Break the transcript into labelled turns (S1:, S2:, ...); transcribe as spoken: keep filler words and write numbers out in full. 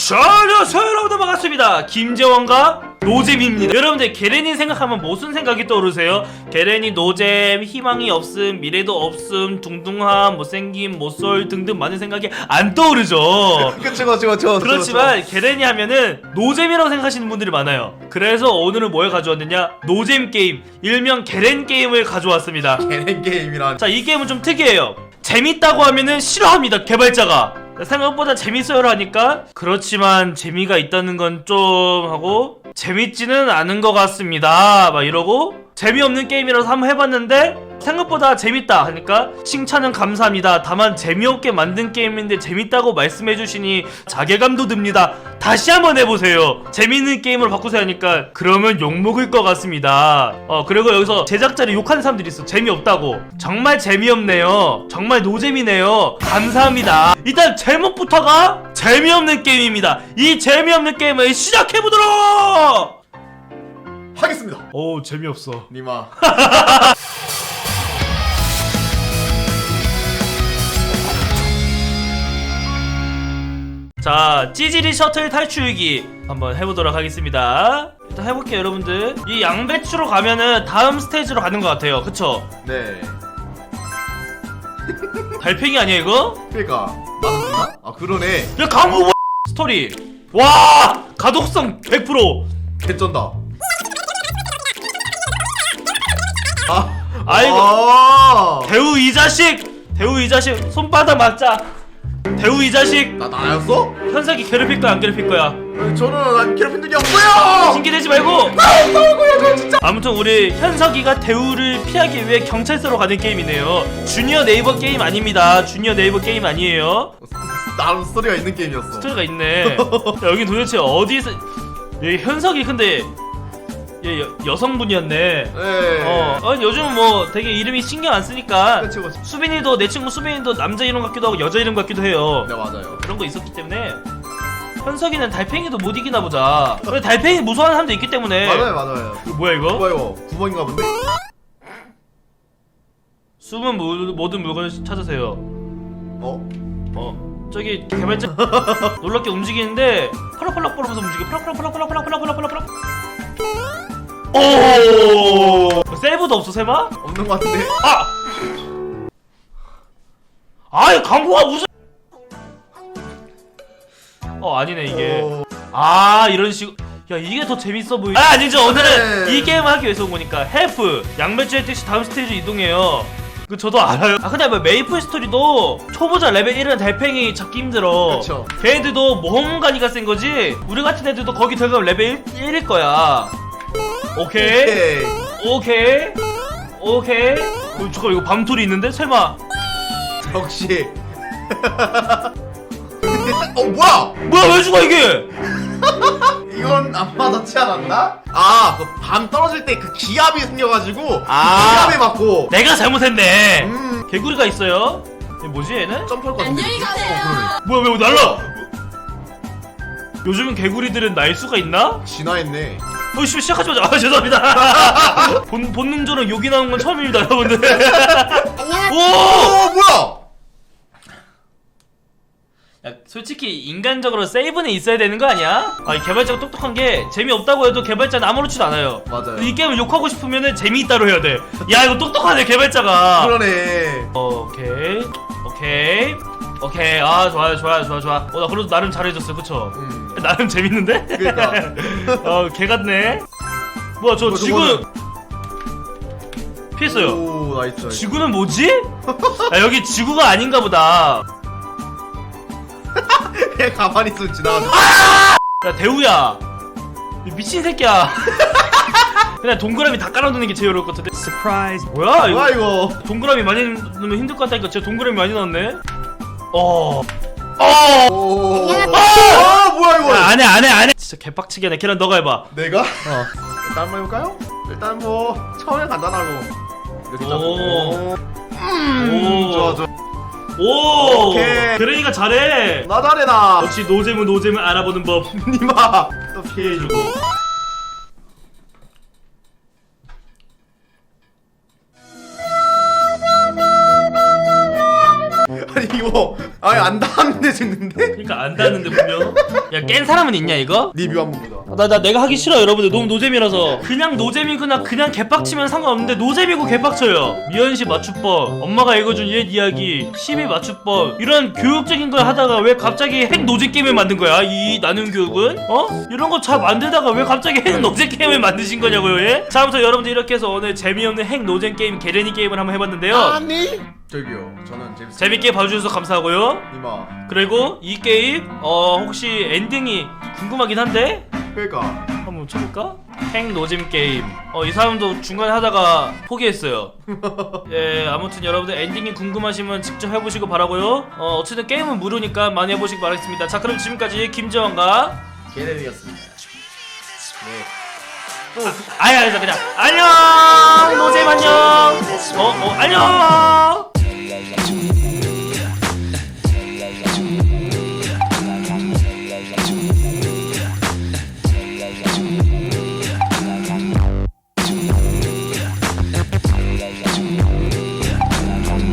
S1: 자, 안녕하세요 여러분들, 반갑습니다. 김재원과 노잼입니다. 여러분들 게렌이 생각하면 무슨 생각이 떠오르세요? 게렌이 노잼, 희망이 없음, 미래도 없음, 둥둥함, 못생김, 못쏠 등등 많은 생각이 안 떠오르죠.
S2: 그쵸 그쵸 그쵸.
S1: 그렇지만 게렌이 하면은 노잼이라고 생각하시는 분들이 많아요. 그래서 오늘은 뭘 가져왔느냐, 노잼 게임, 일명 게렌 게임을 가져왔습니다.
S2: 게렌 게임이란.
S1: 자, 이 게임은 좀 특이해요. 재밌다고 하면은 싫어합니다, 개발자가. 생각보다 재밌어요라 하니까 그렇지만 재미가 있다는 건 좀 하고 재밌지는 않은 것 같습니다 막 이러고, 재미없는 게임이라서 한번 해봤는데 생각보다 재밌다 하니까 칭찬은 감사합니다. 다만 재미없게 만든 게임인데 재밌다고 말씀해주시니 자괴감도 듭니다. 다시 한번 해보세요. 재밌는 게임으로 바꾸세요 하니까 그러면 욕먹을 것 같습니다. 어 그리고 여기서 제작자를 욕하는 사람들이 있어. 재미없다고. 정말 재미없네요. 정말 노잼이네요. 감사합니다. 일단 제목부터가 재미없는 게임입니다. 이 재미없는 게임을 시작해보도록
S2: 하겠습니다.
S1: 오, 재미없어
S2: 니마.
S1: 자, 찌질이 셔틀 탈출기 한번 해보도록 하겠습니다. 일단 해볼게요 여러분들. 이 양배추로 가면은 다음 스테이지로 가는 것 같아요. 그쵸?
S2: 네.
S1: 달팽이 아니야 이거?
S2: 그러니까 나는 누나? 아 그러네.
S1: 야, 강구 스토리. 와, 가독성 백 퍼센트.
S2: 개쩐다. 아,
S1: 아이고.
S2: 아
S1: 대우 이 자식, 대우 이 자식 손바닥 맞자. 대우 이 자식.
S2: 나 나였어?
S1: 현석이 괴롭힐 거야 안 괴롭힐 거야?
S2: 저는 난 괴롭힌 적이 없어요.
S1: 신기되지 말고.
S2: 나왔다고요, 저 진짜.
S1: 아무튼 우리 현석이가 대우를 피하기 위해 경찰서로 가는 게임이네요. 주니어 네이버 게임 아닙니다. 주니어 네이버 게임 아니에요.
S2: 나름 스토리가 있는 게임이었어.
S1: 스토리가 있네. 야, 여긴 도대체 어디서? 얘 현석이 근데 얘 여, 여성분이었네.
S2: 네.
S1: 어, 어 요즘 뭐 되게 이름이 신경 안 쓰니까.
S2: 그치 그치.
S1: 수빈이도, 내 친구 수빈이도 남자 이름 같기도 하고 여자 이름 같기도 해요.
S2: 네 맞아요.
S1: 그런 거 있었기 때문에 현석이는 달팽이도 못 이기나 보자. 근데 달팽이 무서워하는 사람도 있기 때문에.
S2: 맞아요 맞아요.
S1: 이거 뭐야 이거?
S2: 뭐야 이거? 구멍인가 본데?
S1: 숨은 물, 모든 물건을 찾으세요.
S2: 어?
S1: 어 저기 개발자 놀랍게 움직이는데 펄럭펄럭 거리면서 움직여. 펄럭펄럭펄럭펄럭펄럭펄럭펄럭펄럭. 오, 세이브도 없어 설마?
S2: 없는 것 같은데?
S1: 아! 아이, 광고가 무슨. 어, 아니네 이게.
S2: 어...
S1: 아, 이런 식으로. 야, 이게 더 재밌어 보이. 아, 아니죠. 오늘은
S2: 네.
S1: 이 게임을 하기 위해서 온 거니까. 헬프 양배추의 뜻이 다음 스테이지 이동해요. 그 저도 알아요. 아, 근데 뭐 메이플 스토리도 초보자 레벨 일은 달팽이 잡기 힘들어.
S2: 그쵸.
S1: 걔네들도 모험가니까 센 거지. 우리 같은 애들도 거기 들어가면 레벨 일일 거야. 오케이.
S2: 오케이.
S1: 오케이. 오케이. 어, 잠깐, 이거 밤톨이 있는데? 설마.
S2: 역시. 어 뭐야?
S1: 뭐야, 왜 죽어 이게?
S2: 이건 안 맞았지 않았나? 아, 그 밤 떨어질 때 그 기압이 생겨가지고
S1: 아.
S2: 기압에 맞고.
S1: 내가 잘못했네.
S2: 음.
S1: 개구리가 있어요. 얘 뭐지 얘는?
S2: 점프할 것 같은데.
S3: 안녕히 가세요.
S2: 어,
S1: 뭐야, 왜 날라? 요즘 개구리들은 날 수가 있나?
S2: 그러네. 진화했네.
S1: 어이씨, 시작하자마자. 아, 죄송합니다. 본, 본능적으로 욕이 나온 건 처음입니다 여러분들. 오!
S2: 어 뭐야?
S1: 야, 솔직히 인간적으로 세이브는 있어야 되는 거 아니야? 아, 이 개발자가 똑똑한 게 재미없다고 해도 개발자는 아무렇지도 않아요.
S2: 맞아요.
S1: 이 게임을 욕하고 싶으면은 재미있다로 해야 돼. 야, 이거 똑똑하네 개발자가.
S2: 그러네.
S1: 오케이 오케이 오케이. 아, 좋아요 좋아요 좋아 좋아. 어, 나 그래도 나름 잘해줬어. 그쵸?
S2: 음.
S1: 나름 재밌는데?
S2: 그러니까.
S1: 어, 개같네. 뭐야, 저
S2: 뭐,
S1: 지구 피했어요.
S2: 오 나이스. 나이스.
S1: 지구는 뭐지? 아, 여기 지구가 아닌가 보다.
S2: 그냥 가만히 있으면 지나가죠.
S1: 야, 대우야, 이 미친 새끼야. 그냥 동그라미 다 깔아놓는 게 제일 어려울 것 같은데. 서프라이즈. 뭐야 이거?
S2: 뭐야 이거?
S1: 동그라미 많이 넣으면 힘들 것 같다니까. 진짜 동그라미 많이 넣었네. 어. 어.
S2: 오.
S1: 아!
S2: 아 뭐야 이거?
S1: 야, 안해 안해 안해. 진짜 개빡치게 하네. 걔랑 너가 해봐.
S2: 내가?
S1: 어.
S2: 일단 한번 해볼까요? 일단 뭐 처음엔 간단하고 이렇게
S1: 오.
S2: 잡고.
S1: 오.
S2: 좋아 좋아.
S1: 오.
S2: 오케이.
S1: 그러니까 잘해.
S2: 나 잘해 나.
S1: 역시 노잼은 노잼을 알아보는 법.
S2: 니마 또 피해주고. 아니 이거 아니 안 닿았는데 죽는데?
S1: 그러니까 안 닿는데 분명. 야 깬 사람은 있냐 이거?
S2: 리뷰 한번 보자.
S1: 나, 나 내가 하기 싫어 여러분들. 너무 노잼이라서. 그냥 노잼이구나 그냥 개빡치면 상관없는데 노잼이고 개빡쳐요. 미연씨 맞춤법, 엄마가 읽어준 옛 이야기, 십이 맞춤법, 이런 교육적인 걸 하다가 왜 갑자기 핵 노잼 게임을 만든 거야? 이 나눔 교육은? 어? 이런 거 잘 만들다가 왜 갑자기 핵 노잼 게임을 만드신 거냐고요 예? 자 아무튼 여러분들 이렇게 해서 오늘 재미없는 핵 노잼 게임 게레니 게임을 한번 해봤는데요.
S2: 아니 저기요 저는 재밌
S1: 재밌게 봐주셔서 감사하고요.
S2: 이마
S1: 그리고 이 게임 어 혹시 엔딩이 궁금하긴 한데
S2: 그러니까
S1: 한번 쳐볼까? 핵 노잼 게임. 어 이 사람도 중간에 하다가 포기했어요. 예 아무튼 여러분들 엔딩이 궁금하시면 직접 해보시고 바라고요. 어 어쨌든 게임은 무료니까 많이 해보시기 바라겠습니다. 자 그럼 지금까지 김재원과
S2: 게레니였습니다. 네.
S1: 아야 그냥 안녕 노잼 안녕. 어 어 안녕.